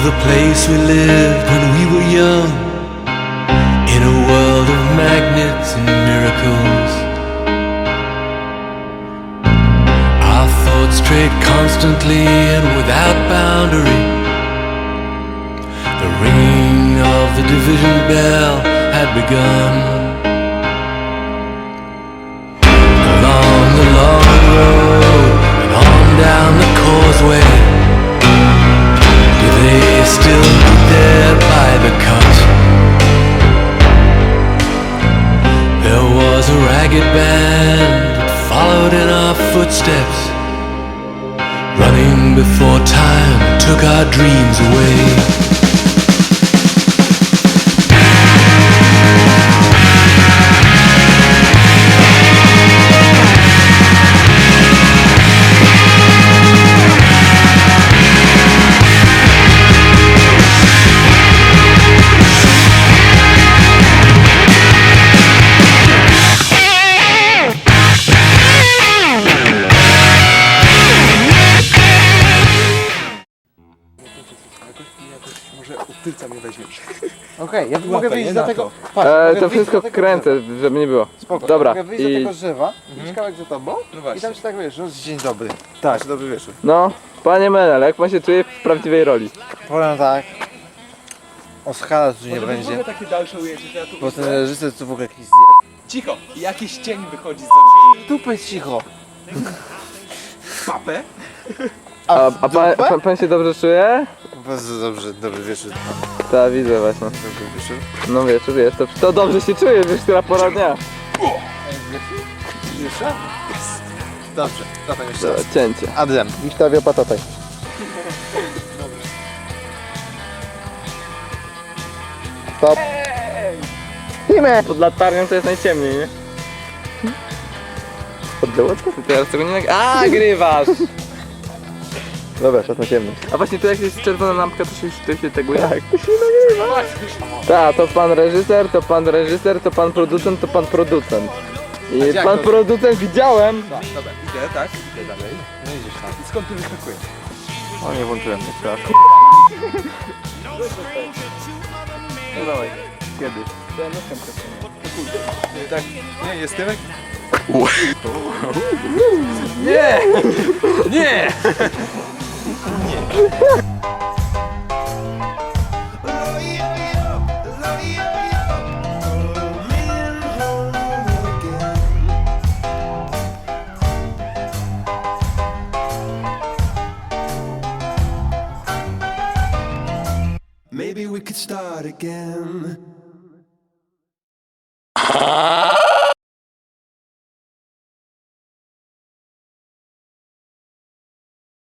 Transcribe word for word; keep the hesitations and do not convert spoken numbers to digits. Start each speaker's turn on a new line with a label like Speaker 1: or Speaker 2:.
Speaker 1: the place we lived when we were young, in a world of magnets and miracles. Our thoughts strayed constantly and without boundary. The ringing of the division bell had begun. Along the long road and on down the causeway, do they still meet there by the cut? There was a ragged band that followed in our footsteps, running before time took our dreams away.
Speaker 2: Może od tylca mnie weźmiesz.
Speaker 3: Okej, ja
Speaker 2: Łapę,
Speaker 3: mogę
Speaker 2: nie
Speaker 3: wyjść
Speaker 2: na
Speaker 3: za tego.
Speaker 2: to.
Speaker 3: Patrz,
Speaker 4: E,
Speaker 3: mogę
Speaker 4: to
Speaker 3: wyjść
Speaker 4: wszystko
Speaker 3: za tego
Speaker 4: kręcę, żeby nie było.
Speaker 3: drzewa. Spoko,
Speaker 4: Dobra,
Speaker 3: mogę wyjść
Speaker 4: i-
Speaker 3: za tego drzewa,
Speaker 2: Mhm.
Speaker 3: iść kawałek za tobą
Speaker 2: No
Speaker 3: i
Speaker 2: właśnie.
Speaker 3: tam się tak wiesz, roz...
Speaker 2: Dzień dobry. Tak, dobry wieczór.
Speaker 4: No, panie Menel, jak pan się czuje w prawdziwej roli?
Speaker 3: Powiem tak. Oscara tu nie
Speaker 2: Może
Speaker 3: będzie.
Speaker 2: będzie takie dalsze ujęcie, że ja tu
Speaker 3: Bo ten
Speaker 2: widzę.
Speaker 3: reżyser tu w ogóle jakiś zjeb.
Speaker 2: Cicho! Jakiś cień wychodzi z
Speaker 3: Dupę cicho.
Speaker 2: papę.
Speaker 4: A, a pan, pan, pan się dobrze czuje?
Speaker 3: Bardzo dobrze, dobry wieczór.
Speaker 4: Tak, widzę właśnie.
Speaker 3: Dobry wieczór.
Speaker 4: No wiesz, wiesz, to, to dobrze się czuje, wiesz, która pora dnia.
Speaker 3: Jeszcze? Dobrze, zatem jeszcze
Speaker 4: Dobra,
Speaker 3: raz.
Speaker 4: cięcie.
Speaker 3: Adrian, Wiktoria Patataj. Stop. Timę!
Speaker 4: Pod latarnią to jest najciemniej, nie? Oddało to? Teraz tego nie nag... A, grywasz!
Speaker 3: Dobra, czas na ciemność.
Speaker 4: A właśnie tu jak jest czerwona lampka, to się, to się teguje? Tak, to się nagrywa. Tak, to pan reżyser, to pan reżyser, to pan producent, to pan producent. I
Speaker 3: jak
Speaker 4: pan
Speaker 3: to-
Speaker 4: producent widziałem.
Speaker 2: No, dobra, idę, tak? Idę dalej.
Speaker 3: No idziesz tam.
Speaker 2: I skąd ty wyskakujesz?
Speaker 3: O, nie włączyłem jeszcze raz.
Speaker 4: No dawaj, kiedy?
Speaker 2: Tak, nie, jest tyłek?
Speaker 4: Nie! Nie!
Speaker 1: Maybe we could start again.